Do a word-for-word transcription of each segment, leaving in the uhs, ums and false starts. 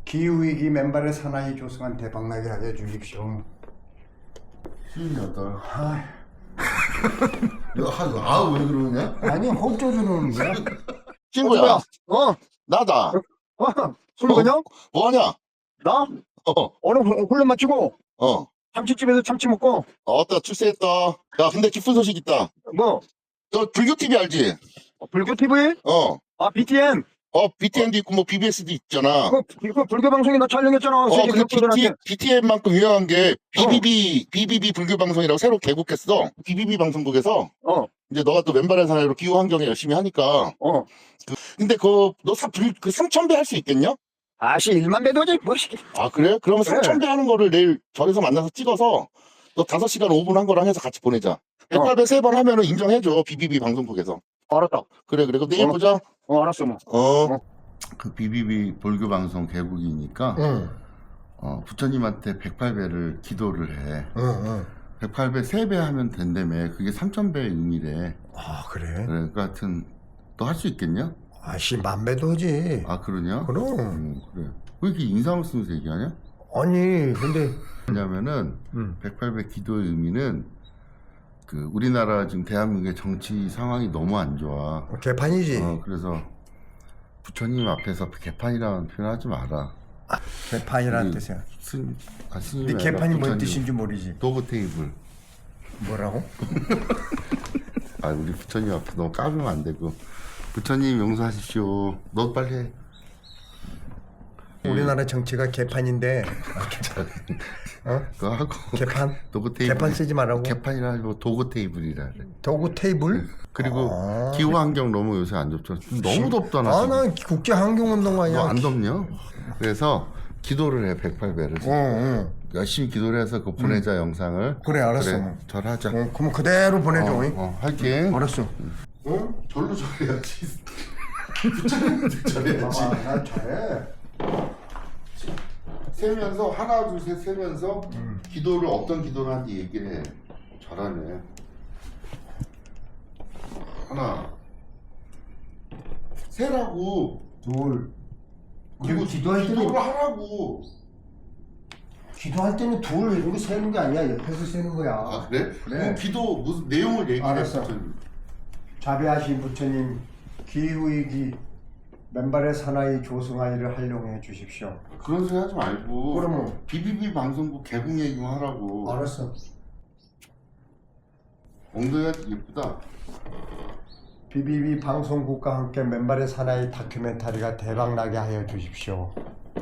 기후위기 맨발의 사나이 조성한 대박나게 하여 주십시오. 쉰여덟. 아, 아우 왜 그러냐? 아니 혹조 주는 거야? 친구야. 어? 나다. 어? 술 그냥? 뭐하냐? 나? 어. 오늘 후- 훈련 마치고 어. 참치집에서 참치 먹고 어, 어따 출세했다. 야, 근데 기쁜 소식 있다. 뭐? 너 불교 티비 알지? 어, 불교 티비? 어. 아 비티엔? 어, 비티엔도 있고 뭐 비비에스도 있잖아. 그거, 그거 불교 방송에 나 촬영했잖아. 어, 세계 근데 격투들한테. 비티, 비티엔만큼 유명한 게 비비비, 비비비 불교 방송이라고 새로 개국했어. 비비비 방송국에서 어, 이제 너가 또 왼발의 사나이로 기후 환경에 열심히 하니까. 어. 근데 그, 너 사, 불, 그 삼천 배 할 수 있겠냐? 아씨 일만 배도지 뭐 씨. 아, 그래? 그러면 그래. 삼천 배 하는 거를 내일 절에서 만나서 찍어서 너 다섯 시간 오 분 한 거랑 해서 같이 보내자. 백팔 배 세 번 하면은 인정해줘. 비비비 방송국에서. 알았다. 그래, 그래. 그럼 내일 어. 보자. 어 알았어 뭐. 어. 그 비비비 불교 방송 개국이니까 응, 어, 부처님한테 백팔 배를 기도를 해. 응, 응. 백팔 배 세 배 하면 된다며. 그게 삼천 배의 의미래. 아 그래? 그래, 그 하여튼 너 할 수 있겠냐? 아씨 만 배도지. 아, 그러냐? 그럼. 음, 그래. 왜 이렇게 인상을 쓰면서 얘기하냐? 아니 근데 왜냐면은 음. 백팔 배 기도의 의미는 그 우리나라 지금 대한민국의 정치 상황이 너무 안 좋아. 개판이지. 어, 그래서 부처님 앞에서 개판이라는 표현 하지 마라. 개판이라는 우리 뜻이야. 스님, 아, 스님이 근데 아니라 개판이 뭔 부처님. 뜻인지 모르지. 도브 테이블. 뭐라고? 아, 우리 부처님 앞에 너무 까불면 안 되고. 부처님 용서하십시오. 너 빨리 해. 우리나라 정치가 개판인데 어? 그거 하고. 개판? 도구 테이블. 개판 쓰지 말라고? 개판이라 하고 도구 테이블이라 그래. 도구 테이블? 그리고 아. 기후 환경 너무 요새 안 좋죠. 너무 덥잖아. 아, 지금. 난 국제 환경 운동 아니야. 너 안 덥냐? 그래서 기도를 해. 백팔 배를. 어, 어. 열심히 기도를 해서 그 보내자 영상을. 그래, 알았어. 그래, 절하자. 어, 그럼 그대로 보내줘. 어, 잉? 어, 할게. 알았어. 어? 절로 절해야지. 부처님한테 절해야지. 아, 나 잘해. 세면서 하나 둘 셋 세면서 음. 기도를 어떤 기도를 하는지 얘기를 해. 잘하네. 하나 세라고. 둘. 그리고 기도할 때는 기도를 하라고. 기도할 때는 둘 이렇게 세는 게 아니야. 옆에서 세는 거야. 아, 그래? 그래. 그 기도 무슨 내용을 얘기해. 알았어. 부처님. 자비하신 부처님, 기후위기 맨발의 사나이 조승아이를 활용해 주십시오. 그런 소리 하지 말고. 그러면? 비비비 방송국 개국 얘기만 하라고. 알았어. 엉덩이가 예쁘다. 비비비 방송국과 함께 맨발의 사나이 다큐멘터리가 대박나게 하여 주십시오.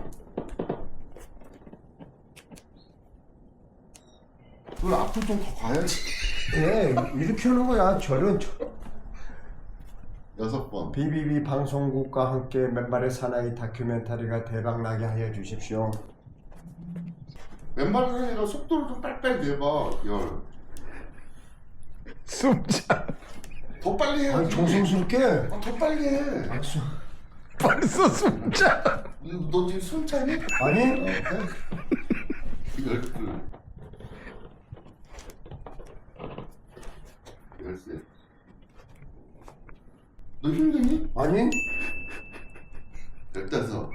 그걸 앞으로 좀 더 가야지. 네, 이렇게 하는 거야. 저런 저... 여섯 번. 비비비 방송국과 함께 맨발의 사나이 다큐멘터리가 대박나게 하여 주십시오. 왼발이 아니라 속도를 좀 빨리빨리 내봐. 열. 숨차. 더 빨리 해. 아니 정성스럽게. 아, 더 빨리 해. 알았어. 벌써 숨차. 너, 너 지금 숨 차니? 아니? 어, 해. 열둘. 열셋. 너 힘드니? 아니? 열다섯.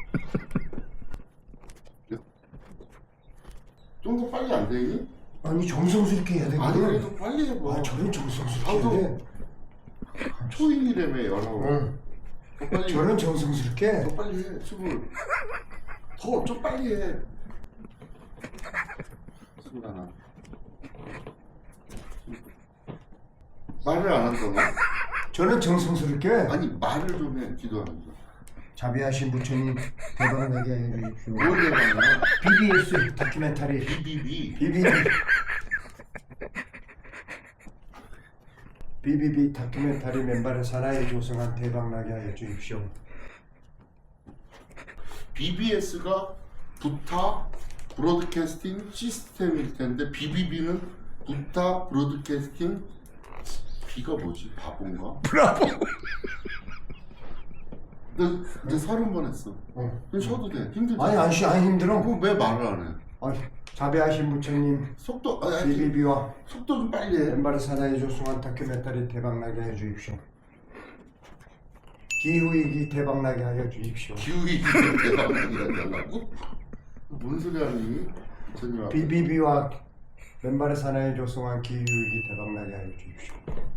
좀 더 빨리 안 되니? 아니 정성스럽게 해야 되거든. 아니 그래도 빨리 해봐. 아, 저런 정성스럽게 나도 해야 돼. 초인이라며 열하고. 응. 더 빨리. 저런 정성스럽게. 더 빨리 해. 스물. 더 좀 빨리 해. 스물 하나. 말을 안 한다고? 저런 정성스럽게. 아니 말을 좀 해. 기도하면서. 자비하신 부처님 대박나게 해 주십시오. 뭘 해봤냐? 비비에스 다큐멘터리. 비비비. 비비비. 비비비 다큐멘터리 맨발의 사나이 조성한 대박나게 하여 주십시오. 비비에스가 부타 브로드캐스팅 시스템일 텐데 비비비는 부타 브로드캐스팅 B가 뭐지? 바본가? 브라보. 너 이제 서른 번 했어. 어. 그럼 쉬어도 돼. 힘들지? 아니 안 쉬, 안 힘들어. 그럼 왜 말을 안 해? 아니, 자비하신 부처님 속도 아니, 아니, 비비비와 속도 좀 빨리 해. 맨발의 사나이 조성한 다큐멘터리 대박나게 해 주십시오. 기후위기 대박나게 하여 주십시오. 기후위기 대박나게 하려고? 뭔 소리 하니? 전님 앞에. 비비비와 맨발의 사나이 조성한 기후위기 대박나게 하여 주십시오.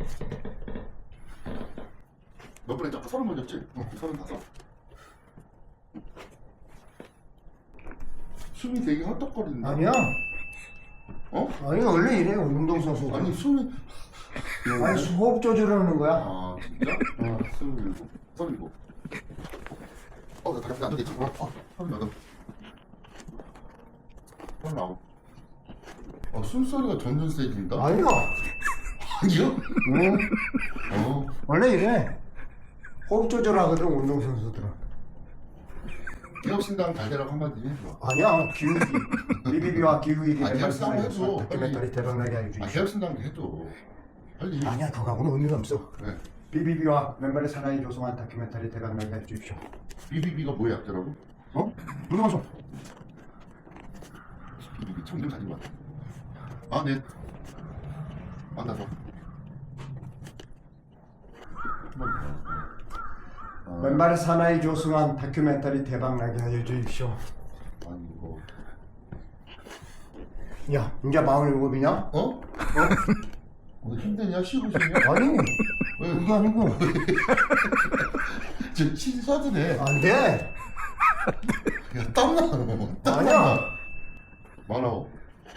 몇 번에 아까 서른 번이었지? 어, 서른 다섯. 숨이 되게 헛떡거린다. 아니야. 어? 아니 원래 이래 운동선수. 아니 숨이 아니 호흡 조절하는 거야. 아 진짜? 어. 스물일곱, 서른일곱. 어, 나 다리 안 되지? 어, 어, 서른여덟. 서른아홉. 어, 숨소리가 점점 세진다? 아니야. 아니요? 응. 어. 원래 이래. 호흡 조절하거든 운동선수들은. 기업신당 달대라고 한마디 해줘. 아니야 기후위기. 비비비와 기후위기 아, 맨발의 기업신당 사나이 해줘. 조성한 다큐멘터리 대박나게 하여 아, 주십시오. 기업신당 해줘. 빨리. 아니야 그거하고는 의미가 없어. 네. 비비비와 맨발의 사나이 조성한 다큐멘터리 대박나게 해주십시오 비비비가 뭐의 약자라고? 어? 무슨 방송? 비비비 청좀 가진 것 같아. 아, 네. 만나서. 한번 더. 아, 맨발의 사나이 조성한 다큐멘터리 대박나게 하여 주십시오. 아니, 이거. 야, 이제 마흔일곱이냐? 어? 어? 너 힘드냐? 쉬고 싶냐? 아니, 왜? 그게 아니고. 저 신사도 돼. 안 돼. 야, 땀나. 땀나. 아니야. 많아.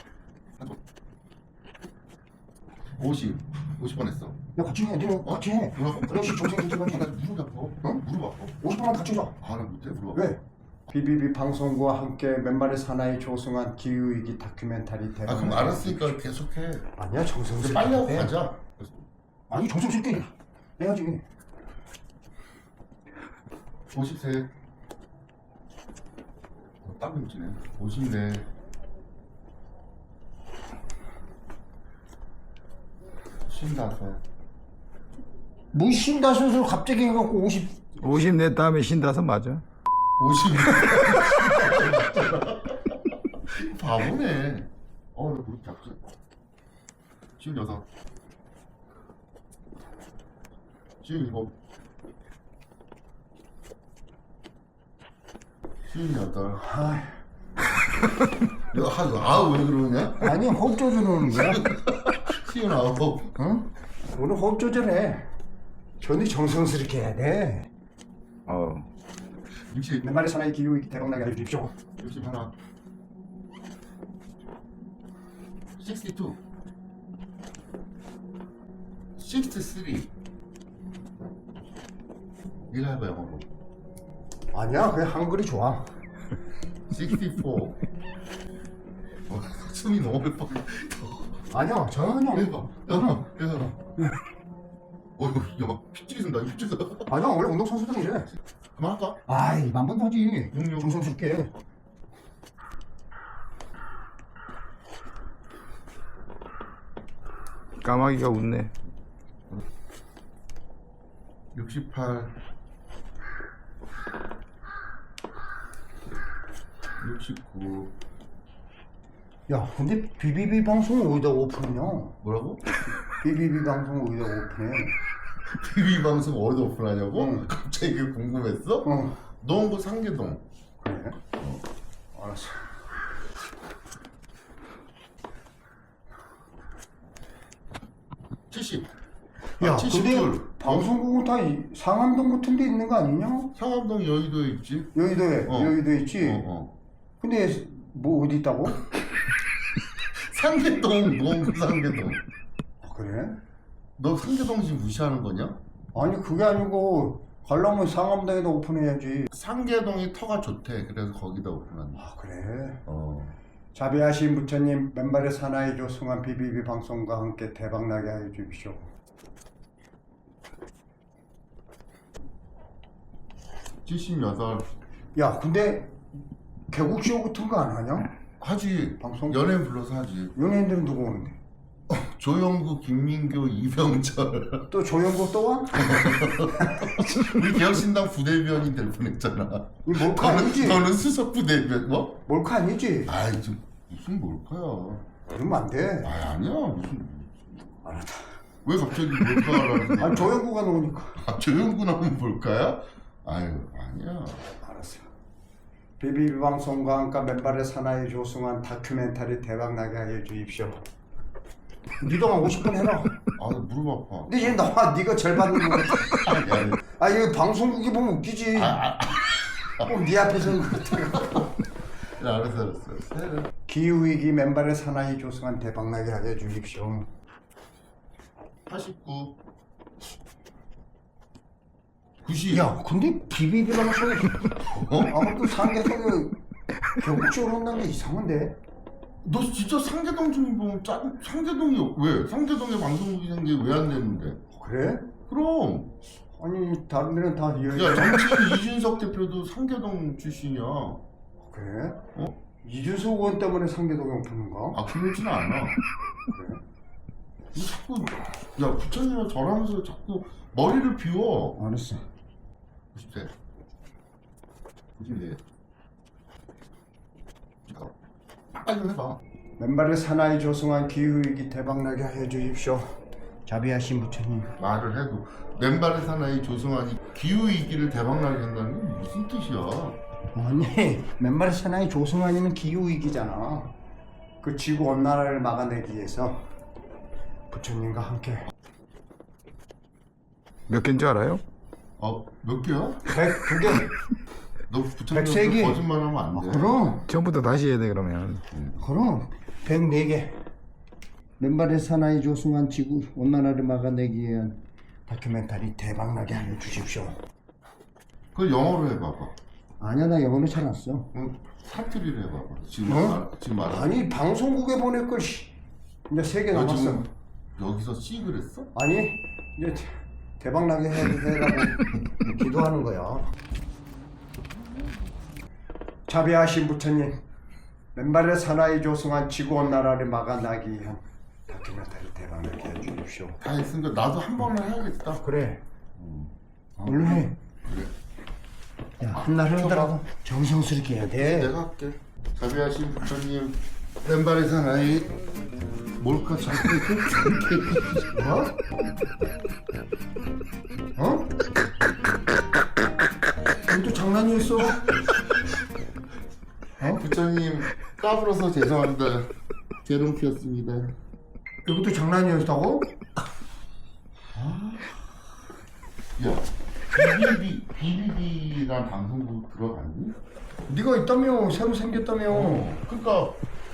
오십. 오십 번 했어. 야, 같이 해. 니는 같이 해. 뭐라고? 그렇지, 정신 아, 나 들어가지. 무릎 아파. 어? 무릎 아파. 오십 분만 같이 줘. 아, 나 못해. 무릎 아파. 왜? 비비비 방송국과 함께 맨발의 사나이 조성한 기후위기 다큐멘터리 아, 대박나게 그럼 하여 알았으니까 주십시오. 계속해. 아니야, 정성스럽게. 빨리 하고 해. 가자. 아니, 정성스럽게 해야지. 오십세. 어, 땀 뭉치네. 오십네. 쉰다섯. 뭐 신다섯을 갑자기 해갖고 오십. 오십 내 다음에 신다섯 맞아. 오십. 바보네. 어, 나 무릎 잡지. 쉰여섯. 쉰일곱. 쉰여덟. 아, 야, 아우 왜 그러냐? 아니, 호흡 조절하는 거야. 쉰아홉. 응? 오늘 호흡 조절해. 전이 정성스럽게 해야 돼. 어. 육십. 맨발의 사나이 기후위기 대박나게 하여 주십시오. 육십하나. 식스티투. 식스티쓰리. 이거 해봐 영어로. 아니야, 그냥 한글이 좋아. 식스티포. 어, 숨이 너무 빡. 아니야, 전혀. 해봐. 해봐. 해봐. 어이구, 야, 막 핏줄이 쓴다. 핏줄이 쓴다. 아니야, 원래 운동선수들은 이래. 그만할까? 아이, 만번 하지. 용용. 정성스럽게. 까마귀가 웃네. 육십팔. 육십구. 야, 근데 비비비 방송 어디다 오픈이냐? 뭐라고? 비비비 방송 어디다 오픈해? 티비 방송 어디서 오픈하냐고? 응. 갑자기 그게 궁금했어? 어, 농구 상계동. 그래? 알았어. 칠십. 야, 아, 칠십둘. 근데 방송국은 다 이- 상암동 같은 데 있는 거 아니냐? 상암동 여의도에 있지? 여의도에, 어. 여의도에 있지? 어, 어. 근데 뭐 어디 있다고? 상계동, 농구 상계동. 아, 그래? 너 상계동 지금 무시하는 거냐? 아니, 그게 아니고 가려면 상암동에다 오픈해야지. 상계동이 터가 좋대. 그래서 거기다 오픈한다. 아, 그래? 어. 자비하신 부처님, 맨발의 사나이 조승한 비비비 방송과 함께 대박나게 하여 주십시오. 칠십팔. 야, 근데 개국쇼 같은 거 안 하냐? 하지. 방송? 연예인 불러서 하지. 연예인들은 누구 오는데? 조영구, 김민교, 이병철. 또 조영구 또 와? 우리 개혁신당 부대변인 될 뻔했잖아. 이 몰카 너는, 아니지? 너는 수석 부대변 뭐? 몰카 아니지? 아이 좀 무슨 몰카야. 그러면 안 돼. 아 아니야 무슨. 알았다. 왜 갑자기 몰카라는 생각? 아 조영구가 나오니까. 아, 조영구 나오면 볼까요? 아유, 아니야. 알았어. 비비비 방송과 함께 맨발의 사나이 조승환 다큐멘터리 대박나게 하여 주십시오. 니도 한 오십 분 해라. 아, 무릎 아파. 근데 얘 나와. 니가 제일 받는 거. 아니, 아니. 아 이거 방송국이 보면 웃기지. 아, 아, 꼭 네 앞에서 그렇다. 야, 알았어, 알았어. 알았어. 기후위기 맨발의 사나이 조승환 대박나게 하여 주십시오. 팔십구. 구십. 야 근데 비비비 방송에 어? 아무튼 상계성이 격적으로 한다는 게 이상한데? 너 진짜 상계동 주민번호 짜 상계동이 왜? 상계동에 방송국이 생긴 게 왜 안 됐는데? 그래? 그럼. 아니 다른 데는 다 이해. 야, 정치인 이준석 대표도 상계동 출신이야. 그래? 어? 이준석 의원 때문에 상계동에 오픈인가? 아, 그러지는 않아. 그래? 이 자꾸 야 부처님은 절하면서 자꾸 머리를 비워. 알았어. 구십 대. 구십 대. 빨리 좀 해봐. 맨발의 사나이 조승환 기후위기 대박나게 하여 주십시오. 자비하신 부처님. 말을 해도 맨발의 사나이 조승환이 기후위기를 대박나게 한다는 게 무슨 뜻이야? 아니 맨발의 사나이 조승환이는 기후위기잖아. 그 지구온난화를 막아내기 위해서 부처님과 함께 몇 개인 줄 알아요? 어, 몇 개야? 백두 개. 너 백세 개. 부처님 거짓말하면 안 아, 돼. 그럼 처음부터 다시 해야 돼 그러면. 그럼 백네 개. 맨발의 사나이 조승환 지구 온난화를 막아내기 위한 다큐멘터리 대박나게 하여 주십시오. 그걸 영어로 해봐봐. 아니야 나 영어로 잘 안 써. 응, 사투리를 해봐봐. 지금 어? 말, 지금 말. 아니 방송국에 보낼 걸. 씨. 이제 세 개 너 남았어. 지금 여기서 씨 그랬어? 아니 이제 대박나게 해, 해라고 기도하는 거야. 자비하신 부처님, 맨발의 사나이 조승환 지구온난화를 막아나기 위한 다큐멘터리 대박나게 해주십시오. 다 했으니까 나도 한 번은 해야겠다. 그래. 음. 얼른 해. 그래. 야, 한날 하더라도 정성스럽게 해야 돼. 내가 할게. 자비하신 부처님, 맨발의 사나이 몰카 자꾸 뭐? 어? 이것도 장난이었어? 어? 부처님 까불어서 죄송합니다. 제롱피였습니다. 이것도 장난이었다고? 야, 비비비 비비비란 방송국 들어갔니? 네가 있다며 새로 생겼다며. 그러니까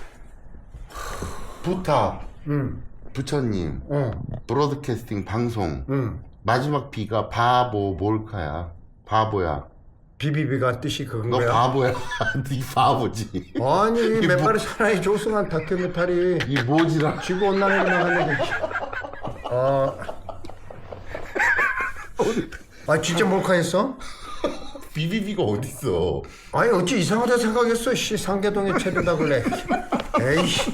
부탁 응. 부처님 어. 브로드캐스팅 방송 응. 마지막 비가 바보 몰카야. 바보야. 비비비가 뜻이 그건 너 거야? 바보야. 네 바보지. 아니 이게 맨발의 사나이 조승환 다큐멘터리 이 뭐지라. 지구 온난화를 막아내기. 아. 아 진짜 몰카했어? 비비비가 어딨어? 아니 어찌 이상하다 생각했어. 씨 상계동에 체류다 그래. 에이씨.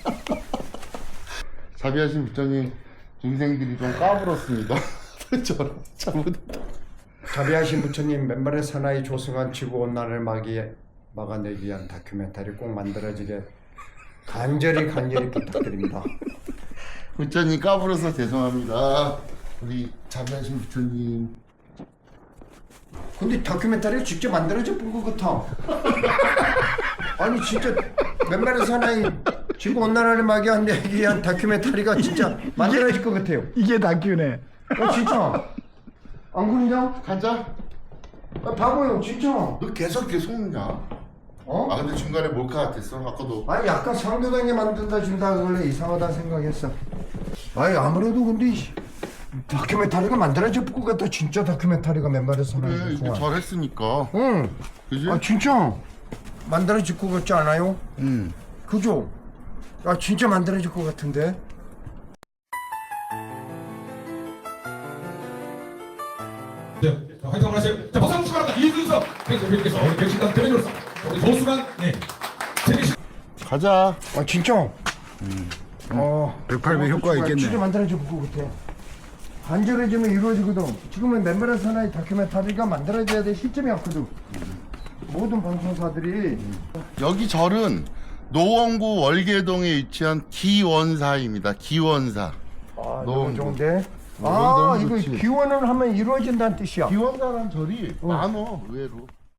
자비하신 부처님 중생들이 좀 까불었습니다. 저런 잘못했다. 자비하신 부처님 맨발의 사나이 조승환 지구 온난화를 막이, 막아내기 위한 다큐멘터리 꼭 만들어지게 간절히 간절히 부탁드립니다. 부처님 까불어서 죄송합니다. 우리 자비하신 부처님. 근데 다큐멘터리를 직접 만들어져 본 것 같아. 아니 진짜 맨발의 사나이 지구 온난화를 막아내기 위한 다큐멘터리가 진짜 만들어질 것 같아요. 이게 다큐네. 어 진짜 안 그러냐? 가자. 아, 바보요 진짜. 너 계속 이렇게 속냐? 어? 아 근데 중간에 몰카 같았어. 아까도. 아니 약간 상대방에 만든다 준다 원래 이상하다 생각했어. 아니 아무래도 근데 이 다큐멘터리가 만들어질 것 같다. 진짜 다큐멘터리가 맨발의 사나이 그래 이렇게 조승환. 잘했으니까. 응. 그지? 아 진짜 만들어질 것 같지 않아요? 응. 그죠? 아 진짜 만들어질 것 같은데. 네, 자, 화이팅 한번 하세요. 자, 박수 한번 축하합니다. 이준석 대표님께서 우리 백신단 대변인으로서 우리 조수만 네, 제대시 가자. 아 진짜. 음. 어. 백팔 배 효과가 진짜 있겠네. 만들어질 것 같아. 간절해지면 이루어지거든. 지금은 맨발의 사나이 다큐멘터리가 만들어져야 될 시점이 왔거든. 모든 방송사들이 여기 절은 노원구 월계동에 위치한 기원사입니다. 기원사. 아 너무 좋은데. 어, 아 너무 이거 좋지. 기원을 하면 이루어진다는 뜻이야. 기원사란 절이 많어 의외로.